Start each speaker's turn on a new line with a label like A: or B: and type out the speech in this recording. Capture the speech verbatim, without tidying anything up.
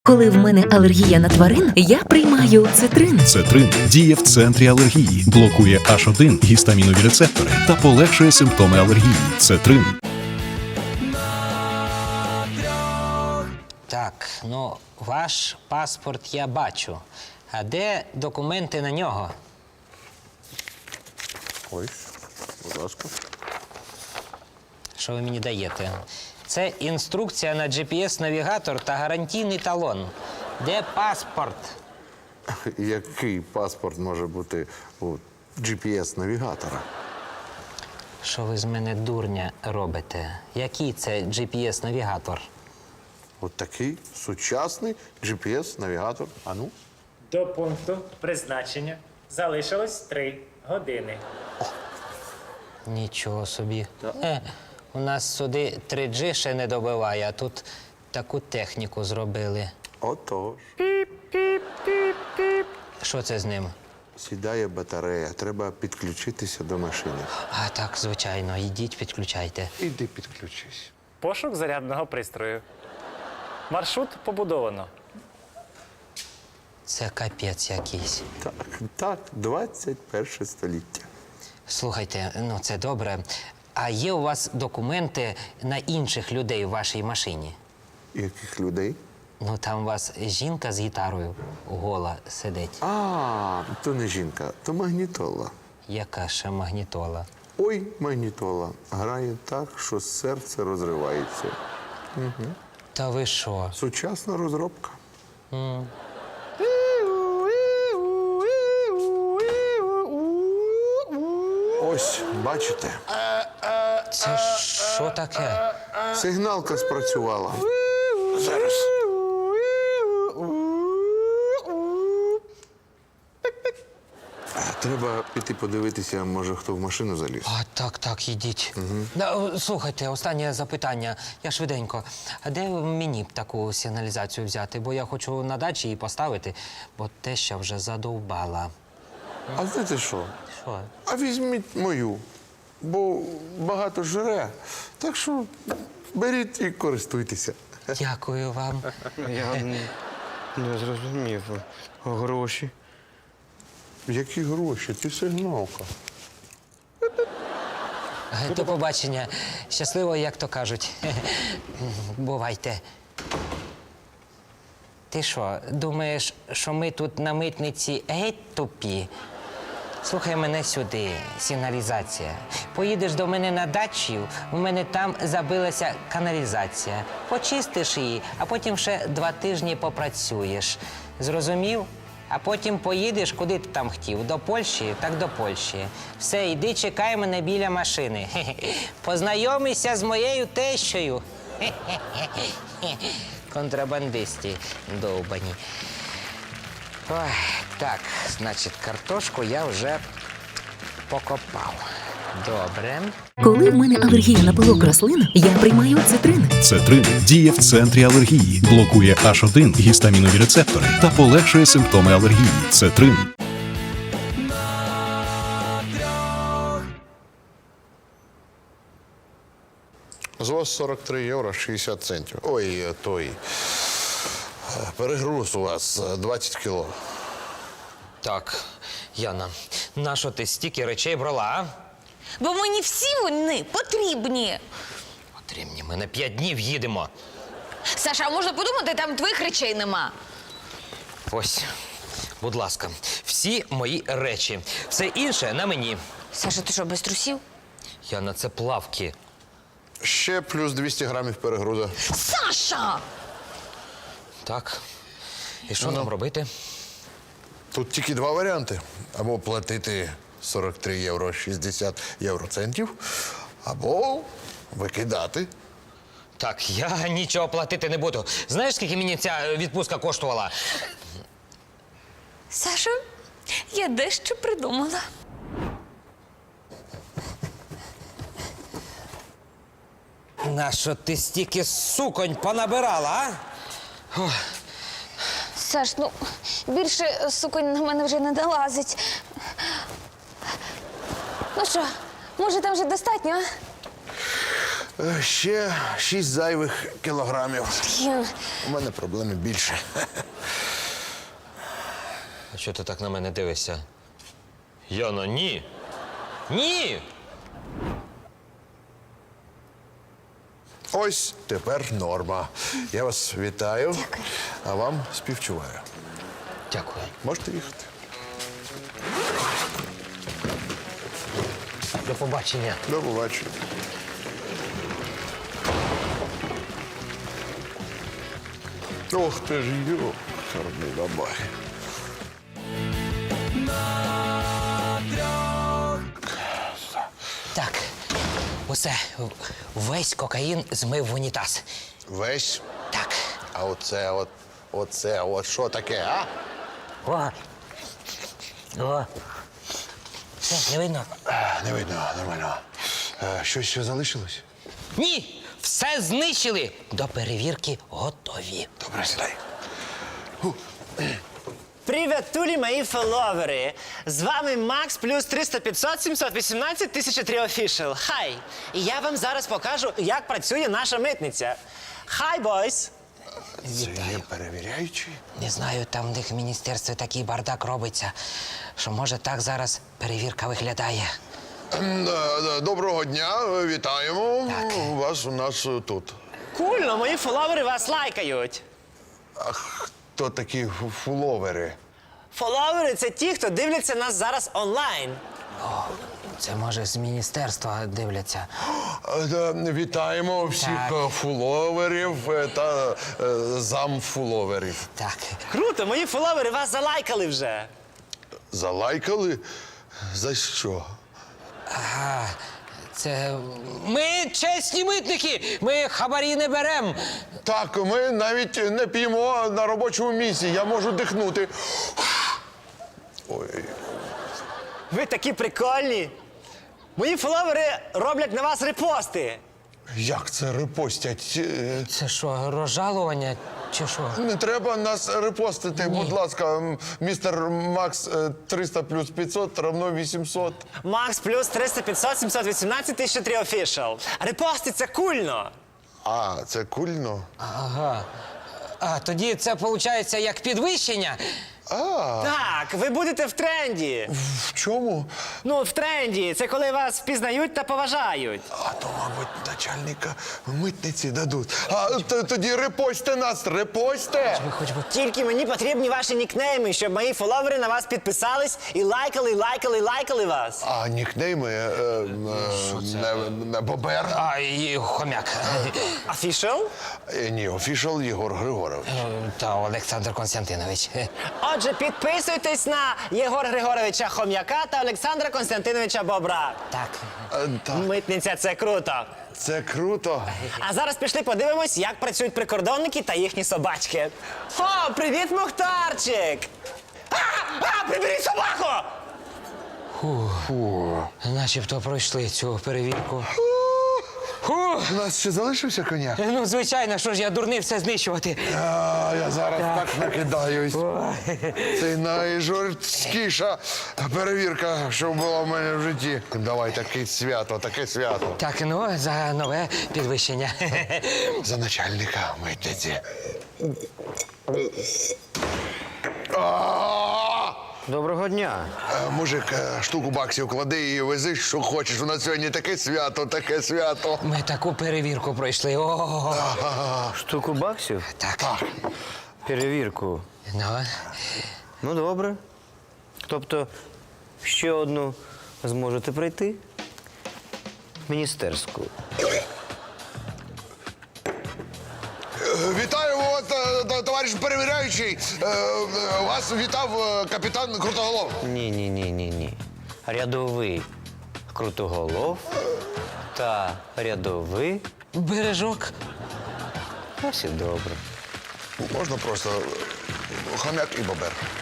A: Коли в мене алергія на тварин, я приймаю цитрин.
B: Цетрин діє в центрі алергії, блокує аш один гістамінові рецептори та полегшує симптоми алергії. Цетрин.
C: Так, ну, ваш паспорт я бачу. А де документи на нього?
D: Ось, будь ласка.
C: Що ви мені даєте? Це інструкція на джі пі ес-навігатор та гарантійний талон. Де паспорт?
D: Який паспорт може бути у джі пі ес-навігатора?
C: Що ви з мене дурня робите? Який це джі пі ес-навігатор?
D: От такий сучасний джі пі ес-навігатор. А ну?
E: До пункту призначення залишилось три години.
C: Нічого собі. Е, у нас сюди три джі ще не добиває, а тут таку техніку зробили.
D: Отож.
C: Що це з ним?
D: Сідає батарея, треба підключитися до машини.
C: А так, звичайно, йдіть, підключайте.
D: Іди підключись.
E: Пошук зарядного пристрою. Маршрут побудовано.
C: Це капець якийсь.
D: Так, так, двадцять перше століття.
C: Слухайте, ну це добре. А є у вас документи на інших людей в вашій машині?
D: Яких людей?
C: Ну там у вас жінка з гітарою гола сидить.
D: А, то не жінка, то магнітола.
C: Яка ще магнітола?
D: Ой, магнітола. Грає так, що серце розривається.
C: Та ви що?
D: Сучасна розробка. Ось, бачите,
C: Це що таке?
D: сигналка спрацювала. Зараз. А, Треба піти подивитися, може, хто в машину заліз.
C: А, так, так, йдіть. Да, о, слухайте, останнє запитання. Я швиденько. А де мені б таку сигналізацію взяти? Бо я хочу на дачі її поставити, бо теща вже задовбала.
D: А знаєте що?
C: Що?
D: А візьміть мою, бо багато жре. Так що беріть і користуйтеся.
C: Дякую вам.
F: Я не, не зрозумів. Гроші.
D: Які гроші? Ти сигналка.
C: До побачення. Щасливо, як то кажуть. Бувайте. Ти що, думаєш, що ми тут на митниці геть тупі? Слухай мене сюди, сигналізація. Поїдеш до мене на дачу, у мене там забилася каналізація. Почистиш її, а потім ще два тижні попрацюєш. Зрозумів? А потім поїдеш, куди ти там хотів. До Польщі, так до Польщі. Все, йди, чекай мене біля машини. Хе-хе. Познайомися з моєю тещою. Хе-хе-хе. Контрабандисти довбані. Ой, так, значить, картошку я вже покопав. Добре.
A: Коли в мене алергія на пилок рослин, я приймаю цитрин.
B: Цетрин діє в центрі алергії, блокує аш один гістамінові рецептори та полегшує симптоми алергії. Цетрин.
D: З вас сорок три євро шістдесят центів. Ой, е, той. е, Перегруз у вас е, двадцять кіло.
C: Так, Яна, нащо ти стільки речей брала, а?
G: Бо мені всі вони потрібні.
C: Потрібні, ми на п'ять днів їдемо.
G: Саша, а можна подумати, там твоїх речей нема.
C: Ось, будь ласка, всі мої речі. Все інше на мені.
G: Саша, ти що, без трусів?
C: Яна, це плавки.
D: Ще плюс двісті грамів перегруза.
G: Саша!
C: Так. І що нам робити?
D: Тут тільки два варіанти. Або платити сорок три євро шістдесят євроцентів, або викидати.
C: Так, я нічого платити не буду. Знаєш, скільки мені ця відпустка коштувала?
G: Саша, я дещо придумала.
C: Нащо ти стільки суконь понабирала, а?
G: Саш, ну, більше суконь на мене вже не долазить. Ну що, може там вже достатньо, а?
D: Е, Ще шість зайвих кілограмів.
G: Блін,
D: У мене проблеми більше.
C: А чого ти так на мене дивишся? Яна, ні. Ні!
D: Ось тепер норма. Я вас вітаю, а вам співчуваю.
C: Дякую.
D: Можете їхати.
C: До побачення.
D: До побачення. Ох ти ж йо, чорний бабай.
C: Так, усе. Весь кокаїн змив в унітаз.
D: Весь.
C: Так.
D: А оце, от, оце, от що таке, а?
C: О. О. Все, не видно?
D: А, Не видно, нормально. Е, Щось ще залишилось?
C: Ні! Все знищили! До перевірки готові.
D: Добре, сідай.
H: Привіт, тулі, мої фоловери! З вами Макс плюс триста п'ятсот сімсот вісімнадцять тисяча три офішал. Хай! І я вам зараз покажу, як працює наша митниця. Хай, бойс!
D: Це є перевіряючий?
C: Не знаю, там в них в міністерстві такий бардак робиться, що може так зараз перевірка виглядає.
D: М, да, да, Доброго дня, вітаємо.
C: Так.
D: Вас у нас е, тут.
H: Кульно, мої фоловери вас лайкають.
D: А хто такі фу- фуловери?
H: Фоловери – це ті, хто дивляться нас зараз онлайн.
C: Це може з міністерства дивляться.
D: Е, да, Вітаємо всіх
C: Так.
D: е, фуловерів е, та е, замфуловерів.
C: Так.
H: Круто, мої фоловери вас залайкали вже.
D: Залайкали? За що?
C: А, це ми чесні митники! Ми хабарі не беремо.
D: Так, ми навіть не п'ємо на робочому місці. Я можу дихнути. Ой.
H: Ви такі прикольні. Мої фоловери роблять на вас репости.
D: Як це репостять? Е,
C: Це що, розжалування чи що?
D: Не треба нас репостити, будь ласка, м, містер Макс е, триста плюс п'ятсот равно вісімсот.
H: Макс плюс триста п'ятсот сімсот вісімнадцять тисяча три офішал. Репости – це кульно.
D: А, це кульно.
C: Ага. А тоді це виходить як підвищення.
D: А,
H: Так, ви будете в тренді.
D: в чому?
H: Ну, в тренді. Це коли вас впізнають та поважають.
D: А то, мабуть, начальника митниці дадуть. А т- тоді репостьте нас, репостьте!
C: Ви хоч би
H: Тільки мені потрібні ваші нікнейми, щоб мої фоловери на вас підписались і лайкали, лайкали, лайкали вас.
D: А нікнейми е, е, не, не Бобер.
C: А, і хомяк.
H: Офішал?
D: Е, Ні, офішал Єгор Григорович.
C: Та Олександр Константинович.
H: Отже, підписуйтесь на Єгора Григоровича Хом'яка та Олександра Константиновича Бобра.
C: Так.
D: Е, Так,
H: Митниця – це круто.
D: це круто.
H: А зараз пішли подивимось, як працюють прикордонники та їхні собачки. О, привіт, Мухтарчик! А, а, приберіть собаку!
C: Начебто пройшли цю перевірку.
D: У нас ще залишився коньяк?
C: Ну, звичайно, що ж я дурний все знищувати.
D: А, я зараз так накидаюсь. Це найжорсткіша перевірка, що була в мене в житті. Давай, таке свято, таке свято.
C: Так, ну, за нове підвищення.
D: За начальника митниці. А!
F: Доброго дня.
D: Е, Мужик, е, штуку баксів клади і вези, що хочеш. У нас сьогодні таке свято, таке свято.
C: Ми таку перевірку пройшли. О,
F: Штуку баксів?
C: так.
F: Перевірку.
C: Ну,
F: Ну, добре. Тобто, ще одну зможете пройти? Міністерську.
D: Вітаю вас, е, т- товариш перевіряючий. Е, е, Вас вітав е, капітан Крутоголов.
F: Ні, ні, ні, ні, ні. Рядовий Крутоголов та рядовий.
C: бережок.
F: Ось і добре.
D: Можна просто е, хомяк і бобер.